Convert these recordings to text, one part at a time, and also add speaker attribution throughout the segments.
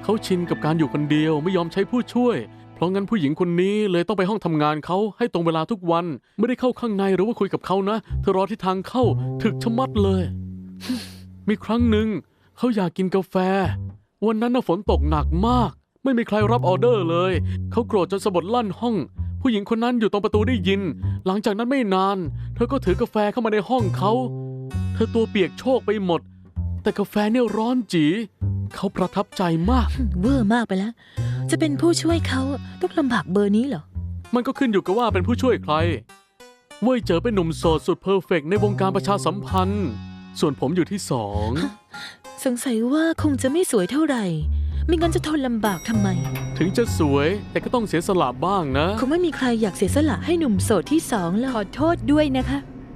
Speaker 1: เขาชินกับการอยู่คนเดียวไม่ยอมใช้ผู้ช่วยเพราะงั้นผู้หญิงคนนี้เลยต้องไปห้องทำงานเขาให้ตรงเวลาทุกวันไม่ได้เข้าข้างในหรือว่าคุยกับเขานะเธอรอที่ทางเข้าถึกชะมัดเลย มีครั้งหนึ่งเขาอยากกินกาแฟวันนั้นน่ะฝนตกหนักมากไม่มีใครรับออเดอร์เลยเขาโกรธจนสะบัดลั่นห้องผู้หญิงคนนั้นอยู่ตรงประตูได้ยินหลังจากนั้นไม่นานเธอก็ถือกาแฟเข้ามาในห้องเขาเธอตัวเปียกโชกไปหมดแต่กาแฟเนี่ยร้อนจีเขาประทับใจมาก
Speaker 2: เวอร์มากไปแล้ว จะเป็นผู้ช่วยเขาต้องลำบากเบอร์นี้เหรอ
Speaker 1: มันก็ขึ้นอยู่กับว่าเป็นผู้ช่วยใครเว่ยเจ๋อเป็นหนุ่มโสดสุดเพอร์เฟกต์ในวงการประชาสัมพันธ์ส่วนผมอยู่ที่สอง
Speaker 2: สงสัยว่าคงจะไม่สวยเท่าไหร่ไม่งั้นจะทนลำบากทำไม
Speaker 1: ถึงจะสวยแต่ก็ต้องเสียสละบ้างนะ
Speaker 2: คงไม่มีใครอยากเสียสละให้หนุ่มโสดที่สองหรอกขอโทษด้วยนะคะ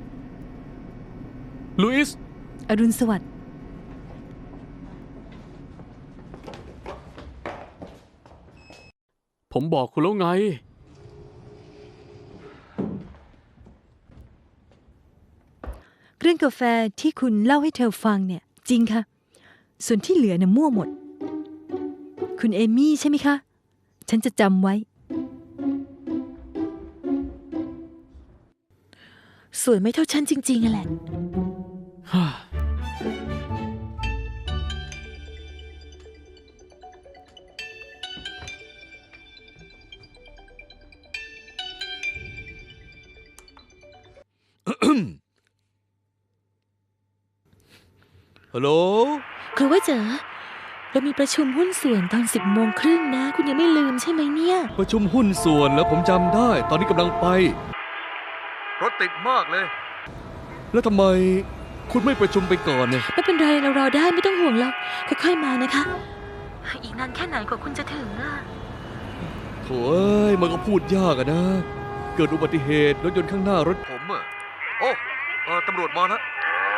Speaker 1: ลุอิส
Speaker 2: อรุณสวัสดิ์
Speaker 1: ผมบอกคุณแล้วไง
Speaker 2: เรื่องกาแฟที่คุณเล่าให้เธอฟังเนี่ยจริงค่ะส่วนที่เหลือน่ะมั่วหมด คุณเอมี่ใช่ไหมคะ ฉันจะจำไว้ สวยไม่เท่าฉันจริงๆอะแหละ
Speaker 3: ฮัลโหล
Speaker 2: คือว่าเจ๋อเรามีประชุมหุ้นส่วนตอน10:30นะ คุณยังไม่ลืมใช่ไหมเนี่ย
Speaker 3: ประชุมหุ้นส่วนแล้วผมจำได้ ตอนนี้กำลังไป รถติดมากเลย แล้วทำไมคุณไม่ประชุมไปก่อนเนี่ย
Speaker 2: ไม่เป็นไรเรารอได้ไม่ต้องห่วงหรอกค่อยๆมานะคะ อีกนานแค่ไหนกว่าคุณจะถึงอ่ะ
Speaker 3: โถ่เอ้ยมันก็พูดยากอะนะ เกิดอุบัติเหตุรถยนต์ข้างหน้ารถผมอะโอ้ตำรวจมาแล้ว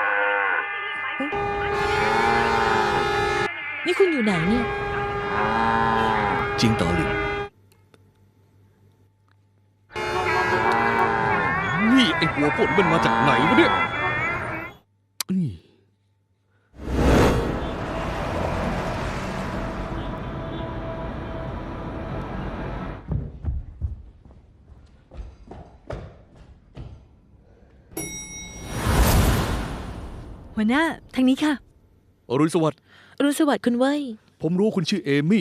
Speaker 2: นี่คุณอยู่ไหนเนี่ย
Speaker 3: จริงต่อหลิงนี่ไอ้หัวโผลมันมาจากไหนวะเนี่ยอื้อ
Speaker 2: หัวหน้าทางนี้ค่ะ
Speaker 3: อรุณสวัสดิ์
Speaker 2: อรุณสวัสดิ์คุณเว้ย
Speaker 3: ผมรู้คุณชื่อเอมี่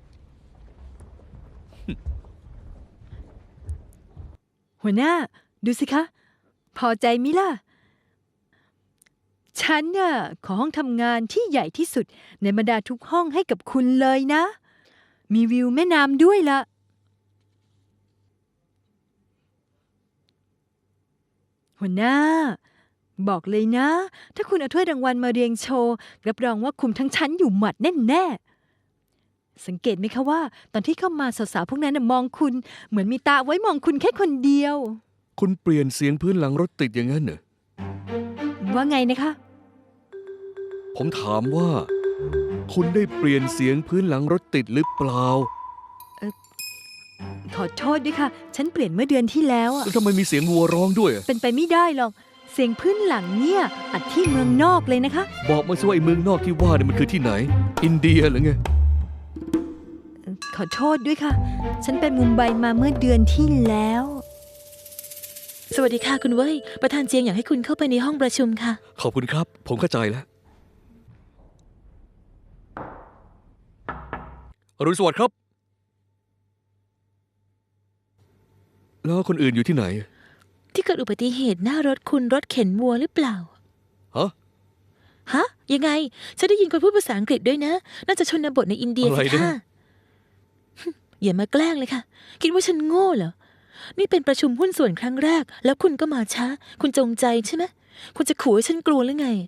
Speaker 2: หัวหน้าดูสิคะ พอใจมิล่ะ ฉันน่ะขอห้องทำงานที่ใหญ่ที่สุดในบรรดาทุกห้องให้กับคุณเลยนะ มีวิวแม่น้ำด้วยล่ะ หัวหน้า บอกเลยนะ ถ้าคุณเอาถ้วยรางวัลมาเรียงโชว์รับรองว่าคุมทั้งชั้นอยู่หมัดแน่ๆสังเกตไหมคะว่า ตอนที่เข้ามาสาวๆพวกนั้นน่ะมองคุณ เหมือนมีตาไว้มองคุณแค่คนเดียว
Speaker 3: คุณเปลี่ยนเสียงพื้นหลังรถติดอย่างนั้นเหรอ
Speaker 2: ว่าไงนะคะ
Speaker 3: ผมถามว่า คุณได้เปลี่ยนเสียงพื้นหลังรถติดหรือเปล่า
Speaker 2: ขอโทษด้วยค่ะ ฉันเปลี่ยนเมื่อเดือนที่แล้วอะ
Speaker 3: แล้วทำไมมีเสียงวัวร้องด้วยอะ
Speaker 2: เป็นไปไม่ได้หรอก เสียงพื้นหลังเนี่ยอัดที่เมืองนอกเลยนะคะ
Speaker 3: บอกมาสิว่าไอ้เมืองนอกที่ว่าเนี่ยมันคือที่ไหน อินเดียหรือไง
Speaker 2: ขอโทษด้วยค่ะ ฉันไปมุมไบมาเมื่อเดือนที่แล้ว สวัสดีค่ะคุณเว้ย ประธานเจียงอยากให้คุณเข้าไปในห้องประชุมค่ะ
Speaker 3: ขอบคุณครับ ผมเข้าใจแล้ว อรุณสวัสดิ์ครับ แล้วคนอื่นอยู่ที่ไหน
Speaker 2: ที่เกิดอุบัติเหตุหน้ารถคุณรถเข็นวัวหรือเปล่า
Speaker 3: ฮะ
Speaker 2: ฮะ ยังไง ฉันได้ยินคนพูดภาษาอังกฤษด้วยนะ น่าจะชนบทในอินเดีย
Speaker 3: อะไร
Speaker 2: สิ
Speaker 3: นะ
Speaker 2: ค่ะ อย่ามาแกล้งเลยค่ะ คิดว่าฉันโง่เหรอ นี่เป็นประชุมหุ้นส่วนครั้งแรก แล้วคุณก็มาช้า คุณจงใจใช่ไหม คุณจะขู่ให้ฉันกลัวหรือไง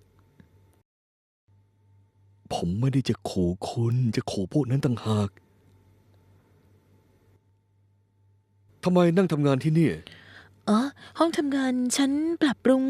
Speaker 3: ผมไม่ได้จะขู่คุณ จะขู่พวกนั้นต่างหาก ทำไมนั่งทำงานที่นี่
Speaker 2: อ๋อ ห้องทำงานฉันปรับปรุง